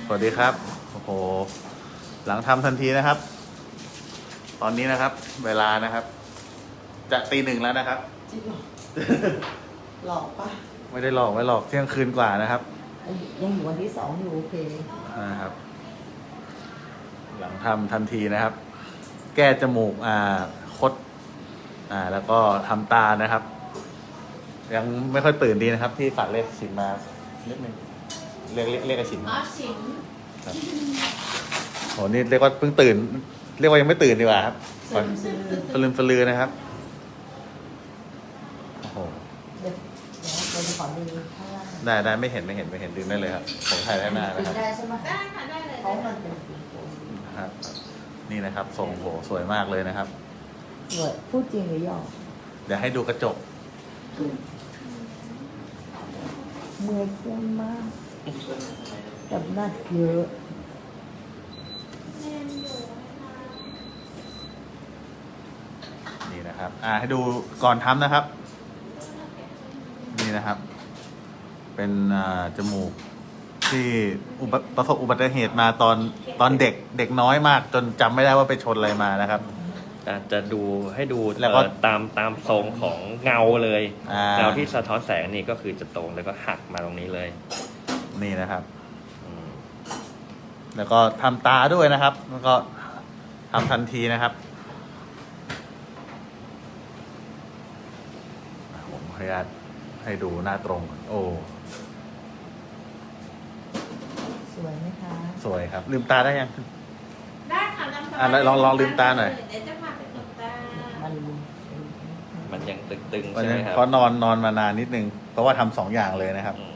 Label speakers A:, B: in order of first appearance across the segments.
A: สวัสดีครับโอ้โหหลังทำทันทีนะครับ ตอนนี้นะครับ เวลานะครับ จะตี 1แล้วนะครับ
B: จริงเหรอ หลอกปะ
A: ไม่ได้หลอกไม่หลอกเที่ยงคืนกว่านะครับ
B: ยังอยู่วันที่2อยู่โอเค
A: นะครับ หลังทำทันทีนะครับ แก้จมูกคดแล้วก็ทำตานะครับ ยังไม่ค่อยตื่นดีนะครับ ที่ฝากเรียกฉินมานิดนึงเรียกไอ้ฉิน
C: อ๋อฉิน
A: ครับโหนี่เรียกว่าเพิ่งตื่น เรียกว่ายังไม่ตื่นดีกว่าครับ
B: สลืม
A: สลือนะครับโอ้โห
B: เดี๋ยวเราจะขอดูข้างล่าง
A: ได้ไม่เห็นดึงได้เลยครับผมถ่ายได้หน้านะครับ
B: ได้ใช่ไหม
C: ได้ค่ะได้เลย
B: เพราะมันเป็นสีโทน
A: ครับ นี่นะครับทรงโหสวยมากเลยนะครับ
B: สวยพูดจริงหรือหยอก
A: เดี๋ยวให้ดูกระจก
B: เมื่อยเพื่อนมากกับหนักเยอะ
C: แน่นอยู่นะคะ
A: นี่นะครับให้ดูก่อนทำนะครับ นี่นะครับ เป็นจมูกที่ประสบอุบัติเหตุมาตอนเด็กน้อยมาก จนจำไม่ได้ว่าไปชนอะไรมานะครับ
D: จะดูให้ดู
A: แล้วก็
D: ตามทรงของเงาเลย
A: า
D: เงาที่สะท้อนแสงนี่ก็คือจะตรงแล้วก็หักมาตรงนี้เลย
A: นี่นะครับ
D: อืม
A: แล้วก็ทำตาด้วยนะครับ แล้วก็ทำทันทีนะครับผมขออนุญาตให้ดูหน้าตรงก่อนโอ้
B: สวยไหมคะ
A: สวยครับ ลืมตาได้ยัง
C: ได้ค่ะน้ำ
A: ลองลืมตาหน่อย
C: เดี๋ยวจะพาไปตบตา
B: มัน
D: มันยังตึงๆ
A: วัน
D: ใช่ไห
A: นี้
D: มครับ
A: เพราะนอนมานานนิดนึง เพราะว่าทำ2 อย่างเลยนะครับ
D: อืม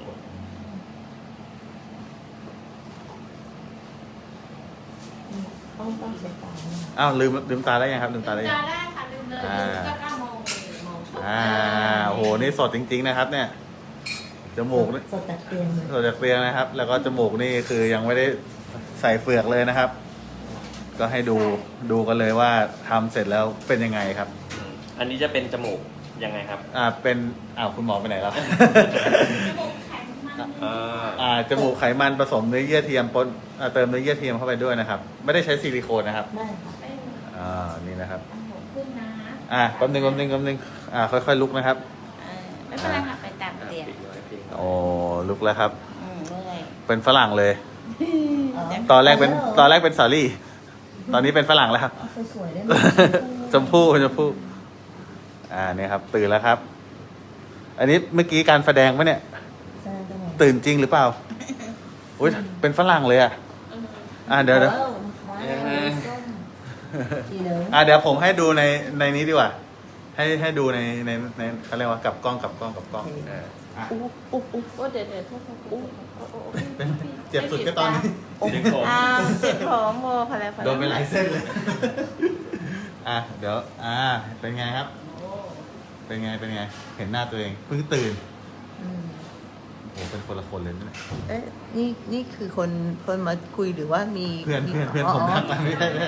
B: ต้องเช็ดตาด้วยนะ
A: อ้าวลืมตาได้ยังครับ ลืมตาได้ยัง
C: ได้ค่ะลืมเลยก็9 โมงโมง
A: โอ้โหนี่สดจริง ๆนะครับ เนี่ยจมูกนี่
B: สดจากเตียงเลย
A: สดจากเตียงนะครับ แล้วก็จมูกนี่คือยังไม่ได้ใส่เฟือกเลยนะครับ ก็ให้ดูกันเลยว่าทำเสร็จแล้วเป็นยังไงครับ
D: อันนี้จะเป็นจมูกยังไงครับ
A: เป็นคุณหมอไปไหนแล้ว
C: จมูกแข็งมัน
A: จมูกไขมันผสมเนื้อเยื่อเทียมปนเติมเนื้อเยื่อเทียมเข้าไปด้วยนะครับ ไม่ได้ใช้ซิลิโคนนะครับ
B: ได้ค่ะ
C: เป็น
A: นี่นะครับ
C: อันหัวขึ้นนะ
A: แป๊บนึงค่อยๆลุกนะครับ
C: ไม่เป็นไรค่ะไปตามเตียง
A: โอ้ลุกแล้วครับ
C: เมื่อย
A: เป็นฝรั่งเลย
B: อ๋อ
A: ตอนแรกเป็นสาลี่ ตอนนี้เป็นฝรั่งแล้วครับ
B: เอาสวยๆได้ไหม
A: ชมพู่เนี่ยครับ ตื่นแล้วครับ อันนี้เมื่อกี้การแสดงปะเนี่ย
B: ใช่ได้ไหม
A: ตื่นจริงหรือเปล่าอุ้ยเป็นฝรั่งเลยเดี๋ยว
B: ว้าวส้มดีเลย
A: เดี๋ยวผมให้ดูในนี้ดีกว่า ให้ดูในเขาเรียกว่ากับกล้อง
B: อุ๊บอุ๊บอุ๊บ
C: โอ้เดี๋ยวโทษอุ๊
A: เป็นเจ็บสุดก็ตอนนี้
D: ดึงผม
C: เจ็บของโมพะแล้ว
A: โดนไปหลายเส้นเลย เดี๋ยวเป็นไงครับ เป็นไง เห็นหน้าตัวเองเพิ่งตื่น
B: อืม
A: โอ้เป็นคนละคนเลยนะเนี่ย
B: เอ๊ะนี่คือคนมาคุยหรือว่ามี
A: เพื่อนผมทักมาไม่ได้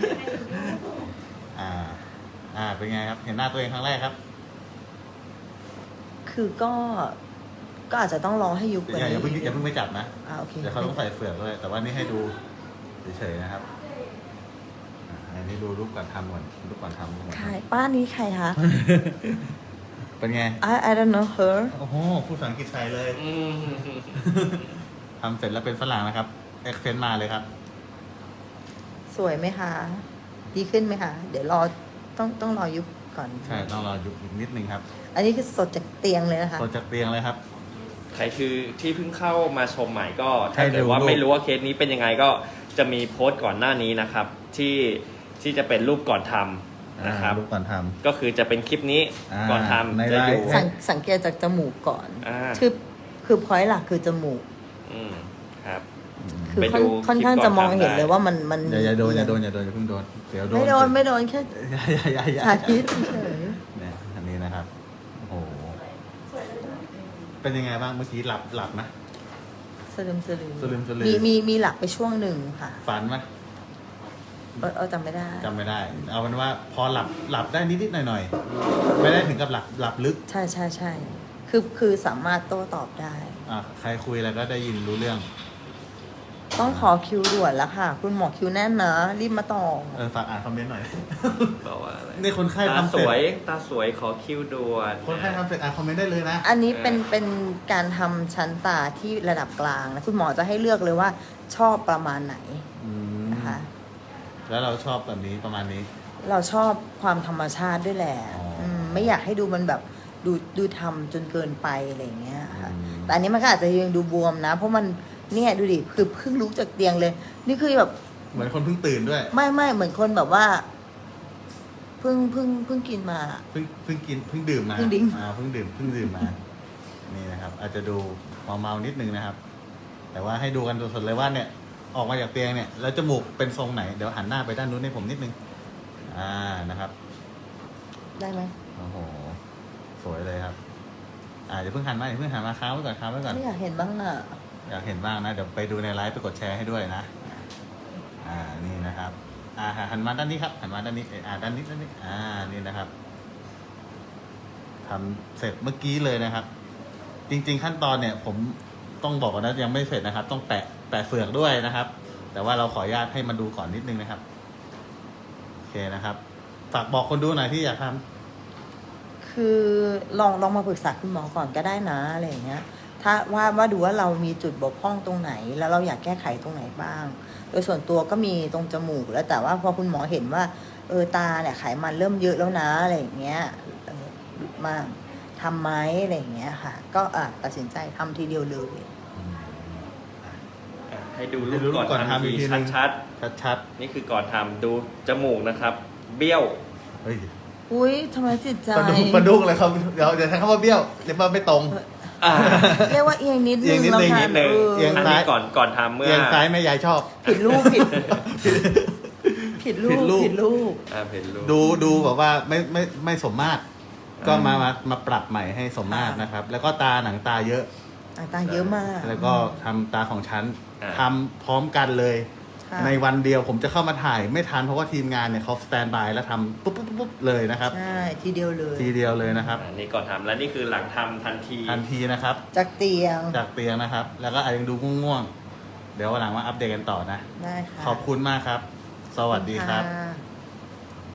A: เป็นไงครับ เห็นหน้าตัวเองครั้งแรกครับ
B: คือก็อาจจะต้องรอให้ยุบกว่า
A: อย่า
B: นี้
A: เพิ่งไปจับนะ
B: โอเค
A: เดี๋ยวเขาต้องใส่เฟือกด้วย แต่ว่านี่ให้ดูเฉยๆนะครับอันนี้ดูรูปก่อนทำก่อน
B: ใครป้านี้ใครคะ
A: เป็นไง
B: I don't know her
A: โอ้โหพูดภาษาอังกฤษไทยเลย
D: อืม
A: ทำเสร็จแล้วเป็นฝรั่งนะครับเอ็กเซนต์มาเลยครับ
B: สวยไหมคะ ดีขึ้นไหมคะ เดี๋ยวต้องรอยุบก่อน
A: ใช่ ต้องรอยุบอีกนิดนึงครับ
B: อันนี้คือสดจากเตียงเลยนะคะ
A: ตอนจากเตียงเลยครับ
D: ใครคือที่เพิ่งเข้ามาชมใหม่ก็
A: ให้
D: ถ้า
A: ดู
D: เกิดว่า
A: รูป
D: ไม่รู้ว่าเคสนี้เป็นยังไงก็จะมีโพสต์ก่อนหน้านี้นะครับ ที่จะเป็นรูปก่อนทำนะครับ
A: รูปก่อนท
D: ก็คือจะเป็นคลิปนี้
A: ใน
D: ก่อนทำจะอยู่
A: ไลฟ์
B: สังเกตจากจมูกก่อน
D: อ่า
B: คือพอยต์หลักคือจมูก
D: ครับ
A: ำ
B: คือ
D: ไปดู
B: ค่อนข้าง
D: คลิปก่อน
B: จะมองเห็น
D: ทำได้
B: เลยว่ามัน
A: อย่าโดนอย่าเพิ่งโดนเดี๋ยวโดน
B: ไม่โดนแค่
A: อย่า
B: สาธิตเฉย
A: เนี่ยอันนี้นะครับ โอ้โห เป็นยังไงบ้างเมื่อกี้หลับไหม
B: สลืม
A: สลืม
B: มีหลักไปช่วงหนึ่งค่ะ
A: ฝันไหม
B: จำไม่ได้
A: จำไม่ได้ เอาเป็นว่าพอหลับได้นิดๆหน่อยๆ ไม่ได้ถึงกับหลับลึก
B: ใช่คือสามารถโต้ตอบได้
A: ใครคุยอะไรก็ได้ยินรู้เรื่อง
B: ต้องขอคิวด่วนแล้วค่ะ คุณหมอคิวแน่นนะ รีบมาต่อ
A: ฝากอ่านคอมเมนต์หน่อย
D: บอกว่าอะไร
A: นี่คนไข้
D: ตา
A: ทำ
D: ส
A: เสร็จ
D: วยตาสวยขอคิวด่วน
A: คนไข้ทำเสร็จอ่านคอมเมนต์ได้เลยนะ
B: อันนี้เป็นการทำชั้นตาที่ระดับกลางนะคุณหมอจะให้เลือกเลยว่าชอบประมาณไหน
A: อืม
B: นะคะ
A: แล้วเราชอบแบบนี้ประมาณนี้
B: เราชอบความธรรมชาติด้วยแหละ
A: อ๋ออื
B: ไม่อยากให้ดูมันแบบดูทำจนเกินไปอะไรอย่างเงี้ยค่ะ
A: อืม
B: แต่อันนี้มันก็อาจจะยังดูบวมนะ เพราะมันเนี่ยดูดิคือเพิ่งลุกจากเตียงเลย นี่คือแบบ
A: เหมือนคนเพิ่งตื่นด้วย
B: ไม่เหมือนคนแบบว่าเพิ่งกินมา
A: เพิ่งกินเพิ่งดื่มมา
B: เพิ่งดื่ม
A: เพิ่งดื่มมา นี่นะครับ อาจจะดูเมาๆนิดนึงนะครับ แต่ว่าให้ดูกันสดๆเลยว่าเนี่ย ออกมาจากเตียงเนี่ย แล้วจมูกเป็นทรงไหน เดี๋ยวหันหน้าไปด้านนู้นให้ผมนิดนึง นะครับ
B: ได้ไหม
A: โอ้โห สวยเลยครับ อย่าเพิ่งหันมาค้างไว้ก่อน
B: ไม่อยากเห็นบ้างอ่ะ
A: อยากเห็นบ้างนะ เดี๋ยวไปดูในไลฟ์ไปกดแชร์ให้ด้วยนะ นี่นะครับ หันมาด้านนี้ครับ หันมาด้านนี้ ด้านนี้ นี่นะครับทำเสร็จเมื่อกี้เลยนะครับ จริงๆขั้นตอนเนี่ย ผมต้องบอกก่อนนะยังไม่เสร็จนะครับ ต้องแปะเฟือกด้วยนะครับ แต่ว่าเราขออนุญาตให้มาดูก่อนนิดนึงนะครับ โอเคนะครับ ฝากบอกคนดูหน่อยที่อยากทำ
B: คือลองมาปรึกษาคุณหมอก่อนก็ได้นะอะไรอย่างเงี้ย ถ้าว่าดูว่าเรามีจุดบกพร่องตรงไหน แล้วเราอยากแก้ไขตรงไหนบ้าง โดยส่วนตัวก็มีตรงจมูกแล้วแต่ว่าพอคุณหมอเห็นว่าตาเนี่ยไขมันเริ่มเยอะแล้วนะอะไรอย่างเงี้ยมาทำไหมอะไรอย่างเงี้ยค่ะ ก็ตัดสินใจทำทีเดียวเลย
D: ให้ดู
A: ให้ดูรู
D: รู
A: ป
D: ป
A: ก่
D: ก่
A: อ
D: อน น
A: ทำ
D: ทำ
A: อีกที
D: ที
A: นึง
D: ชัด
A: ชัด
D: ๆนี่คือก่อนทำดูจมูกนะครับ เบี้ยว
A: ๆเฮ้ย
B: อุ้ยทำไมจิตใจ
A: ปลาดุกเลยครับเดี๋ยวใช้คำว่าเบี้ยวเรียกว่าไม่ตรง
B: เรียกว่าเอียงนิด
A: เอี
B: นึ
A: ยง
B: ง
A: นิด
B: แล้ว
A: นึง
B: ค่ะ
D: นิดนึง
A: เอียง
D: อัน
A: ซ้าย
D: นี้ก่อนทำเมื่อ
A: เอียงซ้ายแม่ยายชอบ
B: ผิดรูปผิดรูป
A: ผิดรูป
B: ผิดรูป
D: เห็นรูป
A: ดูแบบว่าไม่สมมาตรก็มาปรับใหม่ให้สมมาตรนะครับ แล้วก็หนังตาเยอะ
B: ตาเยอะมาก
A: แล้วก็ทำตาของฉันทำพร้อมกันเลย
B: ค่ะ
A: ในวันเดียวผมจะเข้ามาถ่ายไม่ทันเพราะว่าทีมงานเนี่ยเขาสแตนบายแล้วทำปุ๊บเลยนะครับ
B: ใช่ทีเดียวเลย
A: ทีเดียวเลยนะครับ
D: อันนี้ก่อนทำแล้วนี่คือหลังทำทันที
A: ทันทีนะครับ
B: จากเตียง
A: จากเตียงนะครับ แล้วก็อาจยังดูง่วงๆเดี๋ยววันหลังมาอัปเดตกันต่อนะ
B: ได้ค่ะ
A: ขอบคุณมากครับ สวัสดีครับ
B: ค่ะ